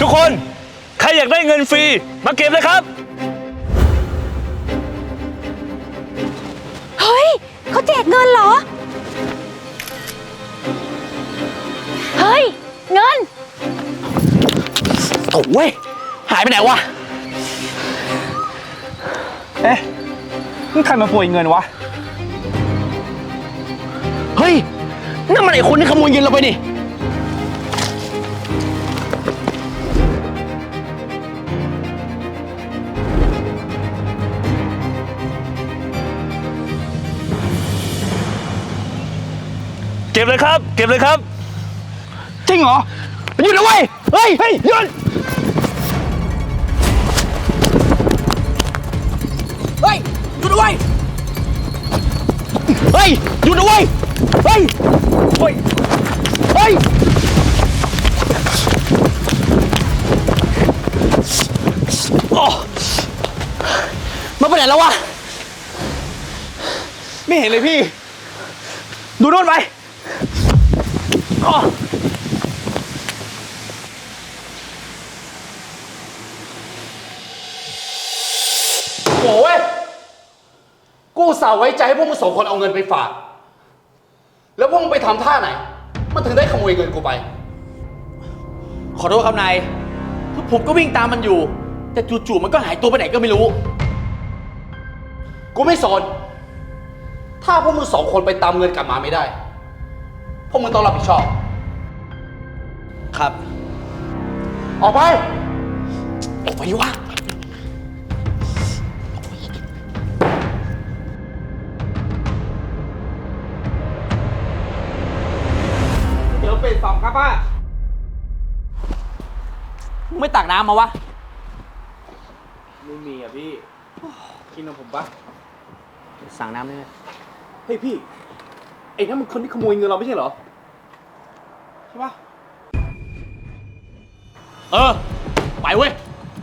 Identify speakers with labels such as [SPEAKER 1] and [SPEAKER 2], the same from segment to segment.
[SPEAKER 1] กคนใครอยากได้เงินฟรีมาเก็บเลยครับ
[SPEAKER 2] เฮ้ยเขาแจกเงินเหรอเฮ้ยเงิน
[SPEAKER 3] โถ่หายไปไหนวะ
[SPEAKER 1] นี่ใครมาโปรยเงินวะ
[SPEAKER 3] เฮ้ยนั่นมันไอ้คนที่ขโมยเงินเราไปนี่
[SPEAKER 1] เก็บเลยครับเก็บเลยครับ
[SPEAKER 3] จริงเหรอหยุดนะเว้ยเฮ้ยหยุดเฮ้ยหยุดนะเว้ยเฮ้ยหยุดนะเว้ยเฮ้ยโอ้มาไปไหนแล้ววะไม่เห็นเลยพี่ดูโน่นไป
[SPEAKER 4] โอ้ยกูอุตส่าห์ไว้ใจให้พวกมึงสองคนเอาเงินไปฝากแล้วพวกมึงไปทำท่าไหนมันถึงได้ขโมยเงินกูไป
[SPEAKER 3] ขอโทษครับนายคือผมก็วิ่งตามมันอยู่แต่จู่ๆมันก็หายตัวไปไหนก็ไม่รู้
[SPEAKER 4] กูไม่สนถ้าพวกมึงสองคนไปตามเงินกลับมาไม่ได้พวกมึงต้องรับผิดชอบ
[SPEAKER 3] ครับ
[SPEAKER 4] ออกไป
[SPEAKER 3] วะเดี๋ยวเป็น2ครับป้ามึงไม่ตักน้ำมาวะ
[SPEAKER 1] ไม่มีอ่ะพี่กินกับผมปะ
[SPEAKER 3] สั่งน้ำได้ไหม
[SPEAKER 4] เฮ้ยพี่ไอ้นั่นมันคนที่ขโมยเงินเราไม่ใช่เหรอใช่ปะ
[SPEAKER 3] ไปเว้ย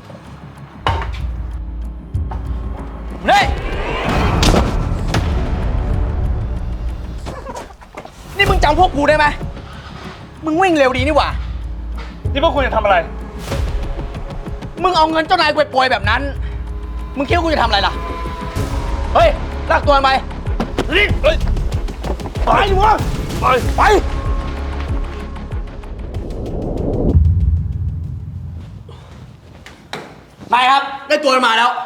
[SPEAKER 3] นี่มึงจำพวกกูได้ไหมมึงวิ่งเร็วดีนี่หว่า
[SPEAKER 1] นี่พวกคุณจะทำอะไร
[SPEAKER 3] มึงเอาเงินเจ้านายกูไปโปรยแบบนั้นมึงคิดว่ากูจะทำอะไรล่ะเฮ้ยลากตัวมันไป
[SPEAKER 1] นี่เฮ้ย
[SPEAKER 3] ไปดิวะไปนายครับได้ตัวมันมาแล้ว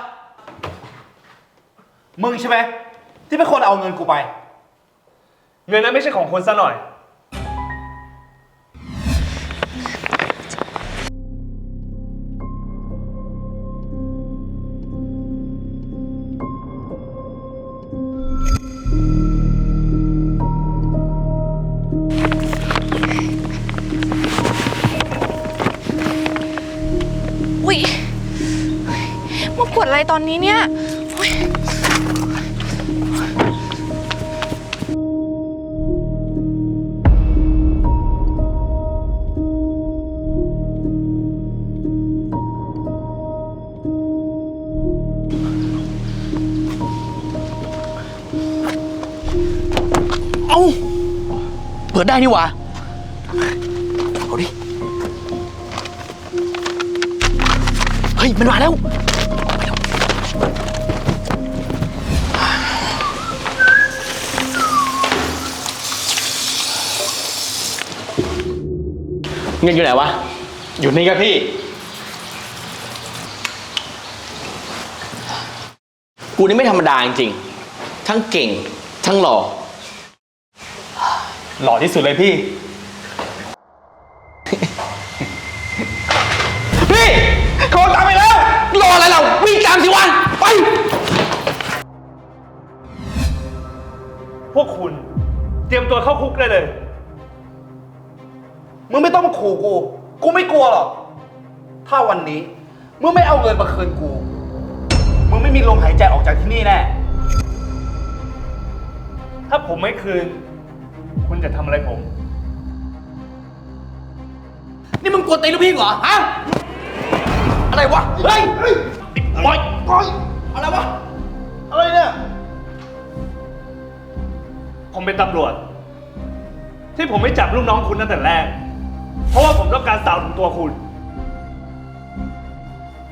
[SPEAKER 4] มึงใช่ไหมที่เป็นคนเอาเงินกูไป
[SPEAKER 1] เงินนั้นไม่ใช่ของคนซะหน่อย
[SPEAKER 2] อุ๊ยมาปวดอะไรตอนนี้เนี่ย
[SPEAKER 3] เอาเปิดได้นี่หว่าเอาดิเฮ้ยมันมาแล้วเงินอยู่ไหนวะ
[SPEAKER 1] อยู่นี่ครับพี่
[SPEAKER 3] กูนี่ไม่ธรรมดาจริงๆทั้งเก่งทั้งหล่อ
[SPEAKER 1] ที่สุดเลยพี่
[SPEAKER 3] พี่เขาตามไปแล้วรออะไรเราวิ่งตามสิวะไป
[SPEAKER 1] พวกคุณเตรียมตัวเข้าคุกได้เลย
[SPEAKER 4] มึงไม่ต้องมาขู่กูไม่กลัวหรอกถ้าวันนี้มึงไม่เอาเงินมาคืนกูมึงไม่มีลมหายใจออกจากที่นี่แน่
[SPEAKER 1] ถ้าผมไม่คืนคุณจะทำอะไรผม
[SPEAKER 3] นี่มึงกวนตีนลูกพี่เหรอฮะอะไรวะเฮ้ยปล่อยอะไรวะ
[SPEAKER 4] อะไรเนี่ย
[SPEAKER 1] ผมเป็นตำรวจที่ผมไม่จับลูกน้องคุณตั้งแต่แรกเพราะว่าผมต้องการสาวถึงตัวคุณ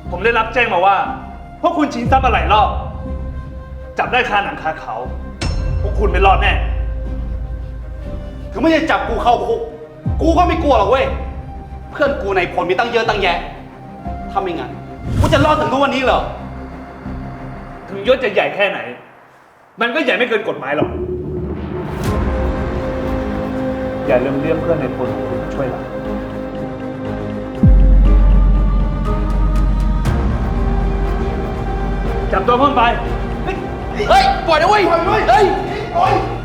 [SPEAKER 5] ผมได้รับแจ้งมาว่า พวกคุณชิงทรัพย์มาหลายรอบ จับได้คาหนังคาเขา พวกคุณไม่รอดแน่
[SPEAKER 4] ถึงไม่จะจับกูเข้าคุก กูก็ไม่กลัวหรอกเว้ย เพื่อนกูในผลมีตั้งเยอะตั้งแยะ ถ้าไม่งั้น กูจะรอดถึงทุกวันนี้เหรอ
[SPEAKER 5] ถึงยศจะใหญ่แค่ไหน มันก็ใหญ่ไม่เกินกฎหมายหรอก อย่าลืมเรียกเพื่อนในพลของคุณมาช่วยเราจับตัวเพิ่มไป
[SPEAKER 3] เฮ้ย ปล่อยนะเว้ย เฮ้ย